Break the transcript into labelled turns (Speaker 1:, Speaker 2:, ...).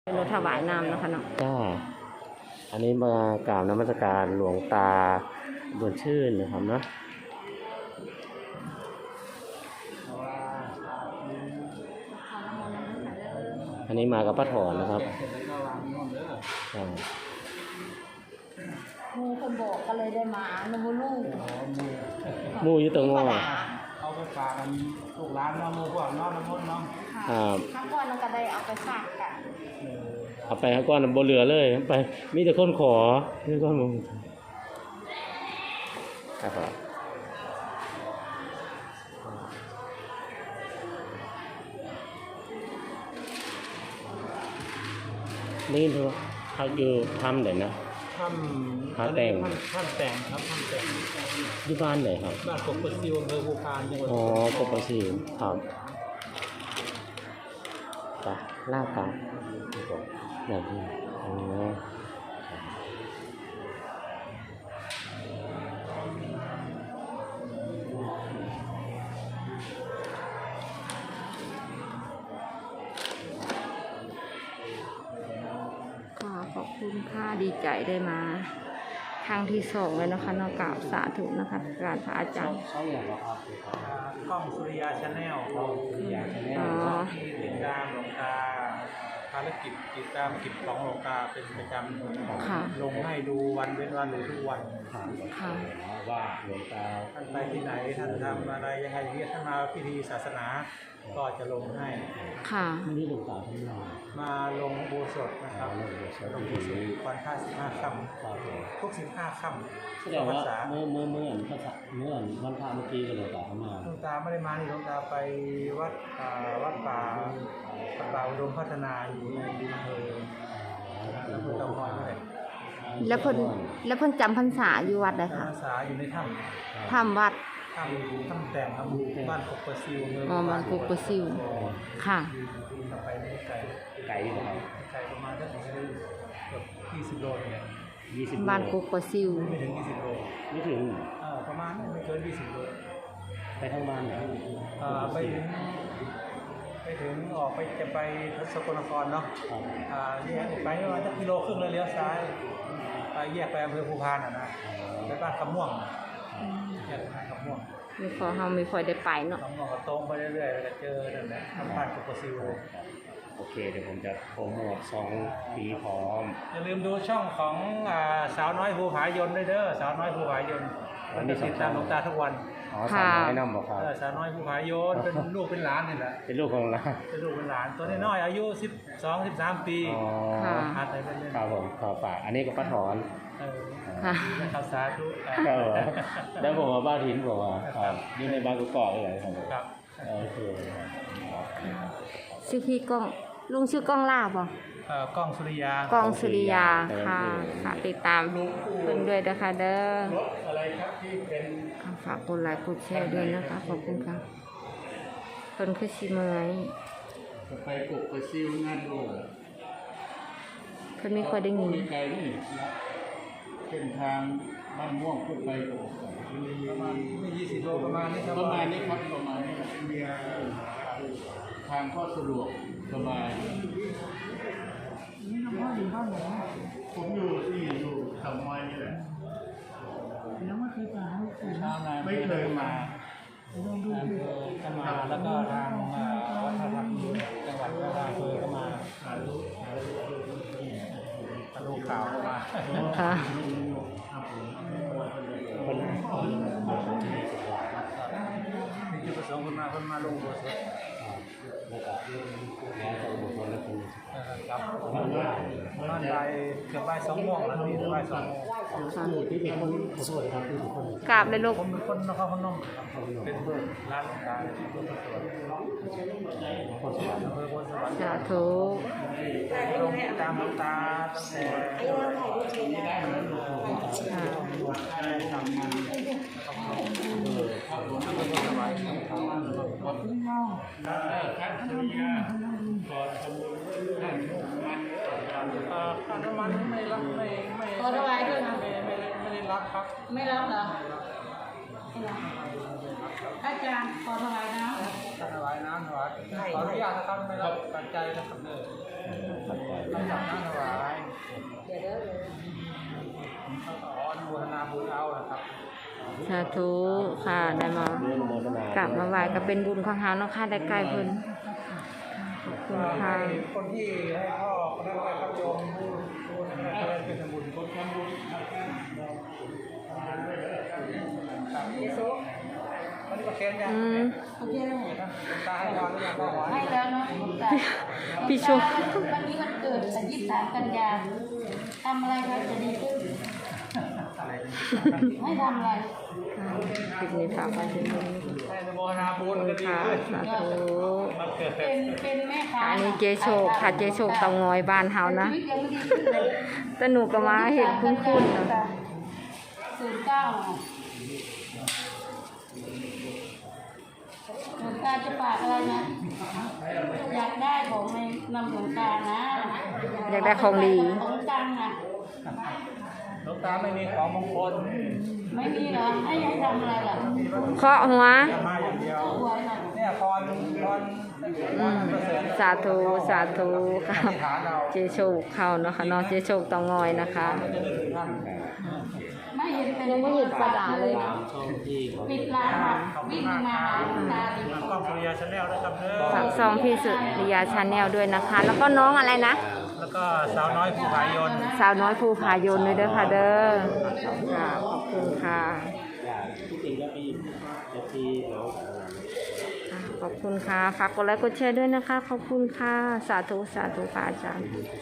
Speaker 1: เป็นรถถวายน้ำนะคะเนาะ
Speaker 2: จ้าอันนี้มากราบนมัสการหลวงตาบุญชื่นนะครับเนาะอันนี้มากับป้าถอนนะครับ
Speaker 1: มูคนบอกก็เลยได้มาหนูลูก
Speaker 2: มูอยู่ตรงงอ
Speaker 3: เอาไปฝากกันลูกหลานเนาะมูพวกน้องน้ำมนต์เนาะ
Speaker 1: ครับข้างก่อนเราก็ได้เอาไปฝากกัน
Speaker 2: เอาไปข้างก้อนบนเรือเลยไปมีแต่คนขอมีแต่คนมึงครับนี่เถอะเขาอยู่ทำเดี๋ยวนะ
Speaker 3: ทำแต่งครับทำแต่ง
Speaker 2: ที่บ้านไหนครับ
Speaker 3: บ้านกบซิวอำเภอภูพานจังหวัด
Speaker 2: อ๋อกบซิวครับจ้ะลาบครับแบบนี้อ๋อ
Speaker 1: ขอบคุณค่ะดีใจได้มาครั้งที่2เลยนะคะนอกกล่าวสาธุนะคะการพระอาจารย์
Speaker 2: เขาอย่างไรครับ
Speaker 3: กล้องสุริยาชาแนลติดตามหลวงตาภารกิจติดตามกิจของหลวงตาเป็นประจำลงให้ดูวันเว้นวันหรือทุกวัน
Speaker 2: ว่าหลวงตา
Speaker 3: ท่านไปที่ไหนท่านทำอะไรยังไงอย่างเงี้ยท่านมาพิธีศาสนาก็จะลงให้
Speaker 1: ค่ะ
Speaker 2: วันนี้หลวงตาทำงาน
Speaker 3: มาลงอุโบสถนะครับลงอุโบสถวันค่า15 ค่ำทุก15 ค่ำ
Speaker 2: แสดงว่าเมื่อวันพระเมื่อกี้ก็หลวงตาทำงาน
Speaker 3: หลวงตาไม่ได้มาหลวงตาไปวัดป่าอุดมพัฒนาอยู่ในอำเภอเตาง้อยนี่
Speaker 1: แล้วเพิ่นจำพรรษาอยู่วัดใดคะ
Speaker 3: พรรษาอยู่ใน
Speaker 1: ถ้ำวัด
Speaker 3: ถ้ำแต่งครับบ้านกบซิว
Speaker 1: บ้านกบซิวค่ะ
Speaker 3: ไปไม่ไกลอยู่ครับไกลประมาณสักเกือบ20 โลเนี่ย
Speaker 1: บ้านกบซิว
Speaker 3: ไม่ถึง20 โล
Speaker 2: ไม่ถึง
Speaker 3: ประมาณไม่เกิน20 โล
Speaker 2: ไปทางบ้านไหน
Speaker 3: ไปถึงออกไปจะไปสกลนครเนาะเนี่ยไปประมาณสัก1.5 กิโลเลยเลี้ยวซ้ายไปแยกไปอำเภอภูพานนะไปบ้านคำม่วงแยกไปคำม่วง
Speaker 1: มีขอเฮามีคอยได้ไปเนาะ
Speaker 3: คำม่วงก็ตรงไปเรื่อยๆแล้วก็เจอนั่นแหละบ้านกบซิว
Speaker 2: โอเคเดี๋ยวผมจะโปรโมท2 ปีพร้อม
Speaker 3: อย่าลืมดูช่องของสาวน้อยภูผายนด้วยเด้อสาวน้อยภูผายนมันจะติดตามหลวงตาทุกวัน
Speaker 2: สาวน้อยน้ำบอกครับ
Speaker 3: สาวน้อยภูผายนเป็นลูกเป็นหลานนี่แหละ
Speaker 2: เป็นลูกของหลาน
Speaker 3: เป็นลูกเป็นหลานตัวน้อยอายุ12-13 ปี
Speaker 1: ค่ะ
Speaker 2: ครับผมขอฝากอันนี้ก็ป้าถอน
Speaker 1: ค่ะ
Speaker 3: ข้าวสาธุ
Speaker 2: แล้วผมว่าบ้านถิ่นบอกว่านี่ในบ้านกุกอกเลย
Speaker 3: ครับ
Speaker 2: โอเค
Speaker 1: ชื่อพี่ก้องลุงชื่อก้องลาบบ่
Speaker 3: กล้องสุริยา
Speaker 1: ค่ะติดตามเพิ่นด้วยนะคะเด้อ
Speaker 3: อะไรครับที่เป็น
Speaker 1: ฝากกดไลค์กดแชร์ด้วยนะคะขอบคุณค่ะเพิ่นคือสิเมื่อย
Speaker 3: ไปกบไปซิวงานดู
Speaker 1: เพิ่นไม่ค่อยได้ยิน
Speaker 3: ไกลนี่เส้นทางบ้านม่วงขึ้นไปประมาณ20 โลประมาณนี้ครับประมาณนี้ทางก็สะดวกสบายนี่น้องพ่ออยู่บ้านไหนผมอยู่ทำไมนี่แหละแล้วไม่เคยมาไม่เคยมาก็มาแล้วก็ทางวัฒนธรรมจังหวัดระนองก็มาดูข่าวมา
Speaker 1: ค่ะ
Speaker 3: นี่จุดประสงค์คนมาลงโบสถ์ครับบ้านใบเกือบ2 โมงแล้วนี่บ่าย2 โมง
Speaker 2: ที่เป็นคนขอโทษครับ
Speaker 1: กราบเลยลูก
Speaker 3: ผมเป็นคนนครพนมเป็นร้านหลวงตาที่พุทธสวนอำเภอโพธิ์สวรรค์
Speaker 1: สาธุ
Speaker 3: ลงตามหลวงตาตั้งแต่ทำงานขับรถก็สบายขับขึ้นเงาครับสุริยาก่อนทำการน้ำมันไม่รับไม่
Speaker 1: ขอถวายด้วยนะ
Speaker 3: ไม่ได้รับครับ
Speaker 1: ไม่รับเหรอไม่รับอาจารย์ขอถวายน้ำ
Speaker 3: ถวายน้ำถวายขออนุญาตนะครับไม่รับปัจจัยนะครับ
Speaker 1: สาธุค่ะได้มา
Speaker 2: เรื่องโมทนาก
Speaker 1: ลับมาไหว้ก็เป็นบุญของเฮาเนาะค่ะได้ใกล้เพิ่นขอบคุณค่ะ
Speaker 3: คนที่ให้พ่อคนนั้นไปครับโยมผู้นั้นเป็นสมุนคนทำบุญมันก็เขียนยัง
Speaker 4: โอเคแล้ว
Speaker 3: ตาให้นอนหรือยังพ่อหมอ
Speaker 4: ให้แล้วเนาะแต่
Speaker 1: พี่ชม
Speaker 4: วันนี้วันเกิดแต่23 กันยาทำอะไรคะจะดีขึ้นไม่ทำอะไร
Speaker 1: คลิปนี้ฝากไว้ที่นี่
Speaker 3: ให้โมทนาบุญ
Speaker 1: ขอบคุ
Speaker 3: ก็
Speaker 1: ณ
Speaker 3: ดี
Speaker 1: ค่ะ
Speaker 3: ขึ้น
Speaker 1: สาธุ
Speaker 3: มันเกิด
Speaker 4: เป็นแม่ค้า
Speaker 1: อันนี้เจโชคค่ะเจโชคเตางอยบ้านเฮานะ
Speaker 4: ชีวิตยังไม่ดีขึ้นเลย
Speaker 1: แต่หนูก็มาเห็นคุ้นๆนะ
Speaker 4: หลวงตาจะฝากอะไรนะอยากได้ของในนำหลวงตานะ
Speaker 1: อยากได้ของดี
Speaker 4: ของตังค์นะ
Speaker 3: หลวงตาไม่มีของมงคล
Speaker 4: ไม่มีเหรอให้ยังทำอะไรล่ะ
Speaker 1: เคาะหัว
Speaker 3: มาอย่างเดียว
Speaker 4: หวยน่ะ
Speaker 3: เนี่ยพร
Speaker 1: อืมสาธุสาธุค่ะเจโชคเข้าเนาะค่ะเนาะเจโชคเตางอยนะคะ
Speaker 4: ไม่เห็นเป็น
Speaker 1: ยังไม่เห็นปลาด่าเลย
Speaker 2: ตามช่องที่เขา
Speaker 4: ปิดร้านค่ะวิ่งมาหาหลวงตาดิ
Speaker 3: กล้องสุริยาชาแนลด้วยครับเด้อ
Speaker 1: ฝากซองพี่สุริยาชาแนลด้วยนะคะ แล้วก็น้องอะไรนะ
Speaker 3: แล้วก็สาวน้อยผู้พายน
Speaker 1: สาวน้อยภูผายนด้วยเด้อค่ะเด้อค่ะขอบคุณค่ะ
Speaker 2: อยากที่จริงก็มีที่น้อง
Speaker 1: ขอบคุณค่ะ ฝากกดไลค์กดแชร์ด้วยนะคะ ขอบคุณค่ะ สาธุ สาธุค่ะอาจารย์